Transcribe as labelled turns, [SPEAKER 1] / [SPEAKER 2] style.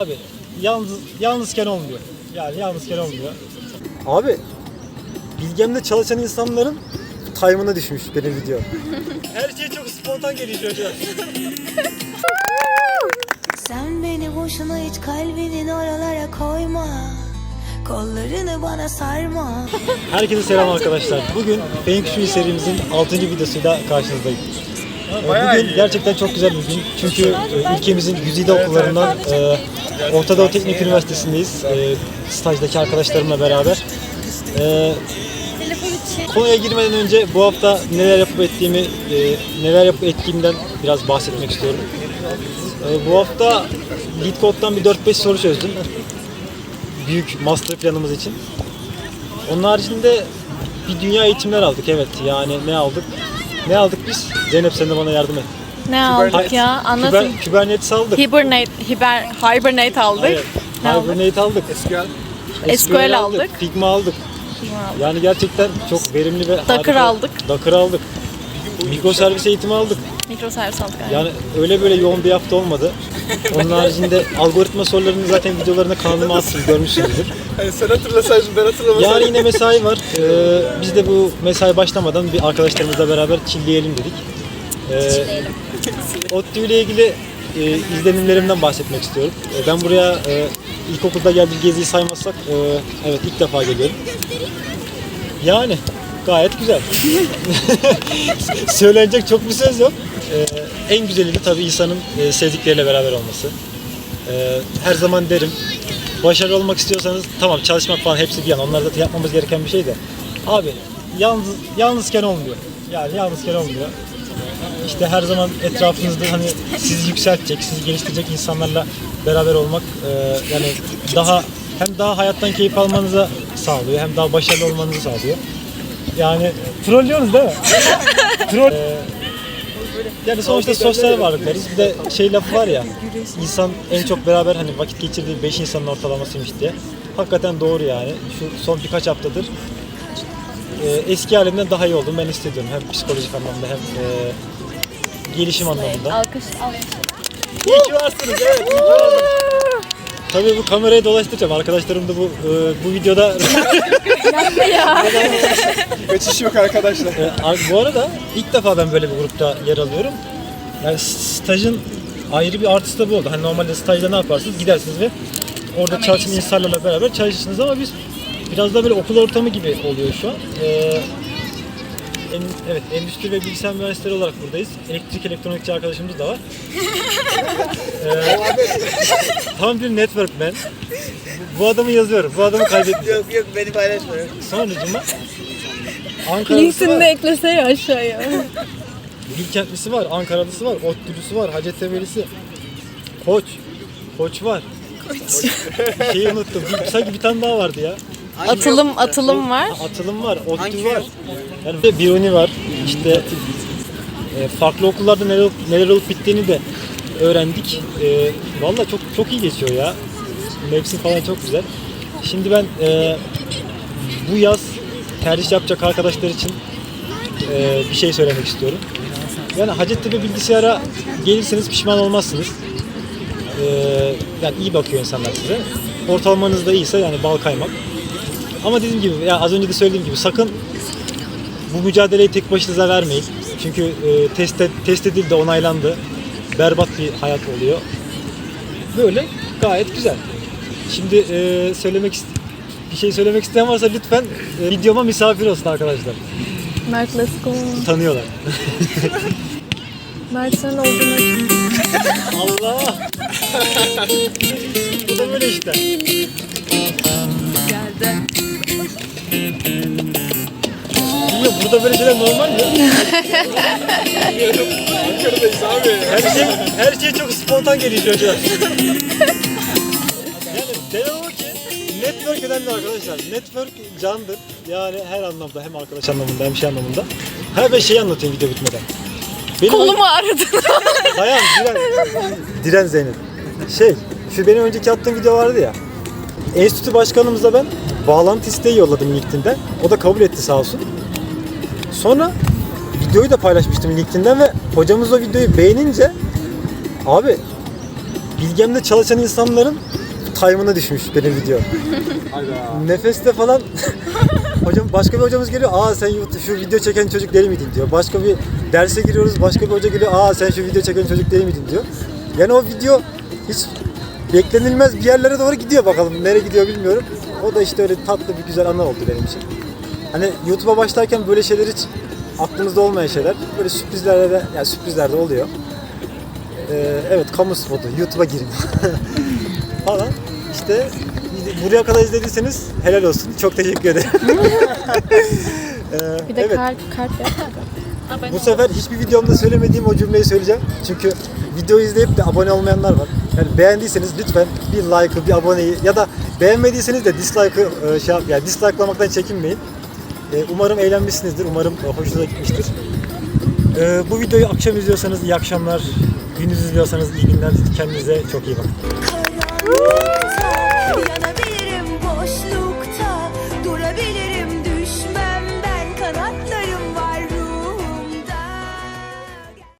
[SPEAKER 1] Abi yalnızken olmuyor. Yani yalnızken olmuyor. Abi bilgemde çalışan insanların time'ına düşmüş benim video. Her şey çok spontan geliyor çocuğa.
[SPEAKER 2] Sen beni boşuna hiç kalbinin oralara koyma. Kollarını bana sarma.
[SPEAKER 1] Herkese selam arkadaşlar. Bugün Feng Shui serimizin 6. videosuyla karşınızdayım. Bugün gerçekten çok güzel bir gün. Çünkü ülkemizin güzide okullarından Orta Doğu Teknik Üniversitesi'ndeyiz. Stajdaki arkadaşlarımla beraber. Konuya girmeden önce bu hafta neler yapıp ettiğimden biraz bahsetmek istiyorum. Bu hafta LeetCode'dan bir 4-5 soru çözdüm. Büyük master planımız için. Onun haricinde bir dünya eğitimler aldık, evet. Yani ne aldık? Ne aldık biz? Zeynep, sen de bana yardım et.
[SPEAKER 3] Ne aldık ya? Anlatın.
[SPEAKER 1] Kubernetes aldık.
[SPEAKER 3] Hibernate aldık.
[SPEAKER 1] Hayır, Hibernate aldık.
[SPEAKER 3] SQL aldık.
[SPEAKER 1] Figma aldık. Yani gerçekten çok verimli ve
[SPEAKER 3] Docker aldık.
[SPEAKER 1] Docker aldık. Mikroservis eğitimi aldık.
[SPEAKER 3] Mikroservis aldık yani.
[SPEAKER 1] Yani öyle böyle yoğun bir hafta olmadı. Onun haricinde algoritma sorularını zaten videolarına kanalıma attım, görmüşsünüzdür.
[SPEAKER 4] Hani sen hatırlasaydın, ben hatırlamasaydım.
[SPEAKER 1] Yani yine mesai var. Biz de bu mesai başlamadan bir arkadaşlarımızla beraber chillleyelim dedik. ODTÜ ile ilgili izlenimlerimden bahsetmek istiyorum. Ben buraya ilkokulda geldiğim geziyi saymazsak evet ilk defa geliyorum. Yani gayet güzel. Söylenecek çok bir söz yok. En güzeli de tabii insanın sevdikleriyle beraber olması. Her zaman derim, başarılı olmak istiyorsanız tamam, çalışmak falan hepsi bir yana. Onlar da yapmamız gereken bir şey de. Abi yalnızken olmuyor. Yani yalnızken olmuyor. İşte her zaman etrafınızda hani sizi yükseltecek, sizi geliştirecek insanlarla beraber olmak yani hem daha hayattan keyif almanıza sağlıyor, hem daha başarılı olmanızı sağlıyor. Yani trollüyoruz değil mi? Troll. Yani sonuçta sosyal varlıklarız. Bir de şey lafı var ya, insan en çok beraber hani vakit geçirdiği 5 insanın ortalamasıymış diye. Hakikaten doğru yani. Şu son birkaç haftadır eski halimden daha iyi oldum ben hissediyorum. Hem psikolojik anlamda hem gelişim anlamında.
[SPEAKER 3] Alkış.
[SPEAKER 1] İyi ki varsınız, evet. İyi ki varsınız. Tabii bu kamerayı dolaştıracağım. Arkadaşlarım da bu videoda...
[SPEAKER 4] Kaçış yok arkadaşlar.
[SPEAKER 1] Bu arada ilk defa ben böyle bir grupta yer alıyorum. Yani stajın ayrı bir artısı da bu oldu. Hani normalde stajda ne yaparsınız? Gidersiniz ve orada çalışan insanlarla beraber çalışırsınız ama biz biraz da böyle okul ortamı gibi oluyor şu an. Evet, endüstri ve bilgisayar mühendisleri olarak buradayız. Elektrik elektronikçi arkadaşımız da var. Tam bir networkman. Bu adamı yazıyorum. Bu adamı kaybetmiyorum.
[SPEAKER 4] Yok beni paylaşma.
[SPEAKER 1] Sonucuma Ankara'lısı
[SPEAKER 3] Linkini de
[SPEAKER 1] var,
[SPEAKER 3] eklese ya aşağıya.
[SPEAKER 1] Bilkentlisi var, Ankaralısı var, ODTÜ'lüsü var, Hacettepe'lisi, Koç var. Şeyi unuttum. Sanki bir tane daha vardı ya.
[SPEAKER 3] Atılım var.
[SPEAKER 1] Atılım var, ODTÜ var. Yani Biruni var. İşte farklı okullarda neler olup bittiğini de öğrendik. Vallahi çok iyi geçiyor ya. Mevsim falan çok güzel. Şimdi ben bu yaz tercih yapacak arkadaşlar için bir şey söylemek istiyorum. Yani Hacettepe bilgisayara gelirseniz pişman olmazsınız. Yani iyi bakıyor insanlar size. Ortalamanız da iyiyse yani bal kaymak. Ama dediğim gibi, ya az önce de söylediğim gibi, sakın bu mücadeleyi tek başınıza vermeyin. Çünkü test edildi, onaylandı. Berbat bir hayat oluyor. Böyle gayet güzel. Şimdi bir şey söylemek isteyen varsa lütfen videoma misafir olsun arkadaşlar.
[SPEAKER 3] Mert let's go.
[SPEAKER 1] Tanıyorlar.
[SPEAKER 3] Mert sen olduğunu
[SPEAKER 1] Allah! Bu da böyle işte.
[SPEAKER 3] geldi.
[SPEAKER 1] Bilmiyorum, burada böyle şeyler normal mi?
[SPEAKER 4] Ankara'dayız abi.
[SPEAKER 1] Her şey çok spontan geliyor çocuğa. Yani demem o ki network önemli arkadaşlar. Network candır. Yani her anlamda, hem arkadaş anlamında hem şey anlamında. Ben şeyi anlatayım video bitmeden.
[SPEAKER 3] Kolumu ağrıdı.
[SPEAKER 1] Dayan, Diren Zeynep. Şu benim önceki attığım video vardı ya. Enstitü başkanımıza ben bağlantı isteği yolladım LinkedIn'den. O da kabul etti sağ olsun. Sonra videoyu da paylaşmıştım LinkedIn'den ve hocamız o videoyu beğenince abi Bilgem'de çalışan insanların time'ına düşmüş benim video. Nefeste falan hocam, başka bir hocamız geliyor. Aa sen şu video çeken çocuk değil miydin diyor. Başka bir derse giriyoruz. Başka bir hoca geliyor. Aa sen şu video çeken çocuk değil miydin diyor. Yani o video hiç beklenilmez bir yerlere doğru gidiyor, bakalım nereye gidiyor bilmiyorum. O da işte öyle tatlı bir güzel anı oldu benim için. Hani YouTube'a başlarken böyle şeyler hiç aklımızda olmayan şeyler. Böyle sürprizler de, yani sürprizler de oluyor. Evet, kamu spotu, YouTube'a girin falan. İşte buraya kadar izlediyseniz helal olsun. Çok teşekkür ederim.
[SPEAKER 3] Bir de
[SPEAKER 1] evet.
[SPEAKER 3] kalp yap.
[SPEAKER 1] Bu sefer hiçbir videomda söylemediğim o cümleyi söyleyeceğim. Çünkü videoyu izleyip de abone olmayanlar var. Yani beğendiyseniz lütfen bir like'ı, bir aboneyi ya da beğenmediyseniz de dislike'ı yani dislike'lamaktan çekinmeyin. Umarım eğlenmişsinizdir. Umarım hoşunuza gitmiştir. Bu videoyu akşam izliyorsanız iyi akşamlar. Gündüz izliyorsanız iyi günler. Kendinize çok iyi bakın.